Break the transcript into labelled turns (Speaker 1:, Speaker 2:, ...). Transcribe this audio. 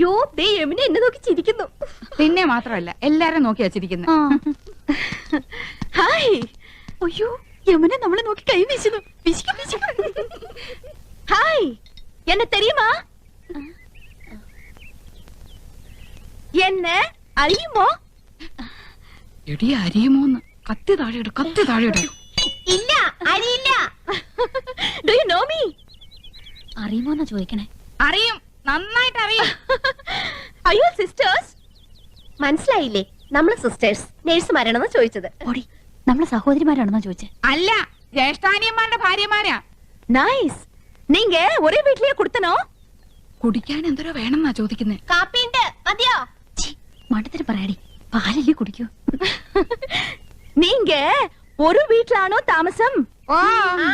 Speaker 1: അയ്യോ ദേ യമുന എന്നെ നോക്കി ചിരിക്കുന്നു.
Speaker 2: പിന്നെ മാത്രമല്ല എല്ലാരും നോക്കി വച്ചിരിക്കുന്നു.
Speaker 1: ഹായ്. അയ്യോ യമുന നമ്മളെ നോക്കി കൈ വീശുന്നു. ഹായ് എന്നെ തെരിയുമാ? എന്നെ അറിയുമോ?
Speaker 2: എടി അറിയുമോന്ന്? കത്തി താഴെയിട്, കത്തി താഴെയിട്.
Speaker 1: ഇല്ല അറിയില്ല. Do you know me?
Speaker 3: അറിയുമോന്നാ ചോദിക്കണേ.
Speaker 2: അറിയും, നന്നായിട്ട് അറിയും.
Speaker 1: അയ്യോ സിസ്റ്റേഴ്സ്. മനസ്സിലായില്ലേ? നമ്മള് സിസ്റ്റേഴ്സ് നേഴ്സുമാരാണെന്ന് ചോദിച്ചത്.
Speaker 3: ഓടി, നമ്മളെ സഹോദരിമാരാണെന്നാ ചോദിച്ചേ.
Speaker 2: അല്ല, ജ്യേഷ്ഠാനിയന്മാരുടെ ഭാര്യമാരാ.
Speaker 1: നൈസ്. നീങ്ക ഒരേ വീട്ടിലേ കൊടുത്തനോ?
Speaker 2: കുടിക്കാൻ എന്തോരോ വേണമെന്നാ ചോദിക്കുന്നേ.
Speaker 1: കാപ്പിണ്ട് മതിയോ?
Speaker 3: മണ്ടത്തിന് പറയാടി, പാലല്ലേ കുടിക്കൂ.
Speaker 1: നീങ്ക ഒരു വീട്ടിലാണോ താമസം?
Speaker 2: ഓ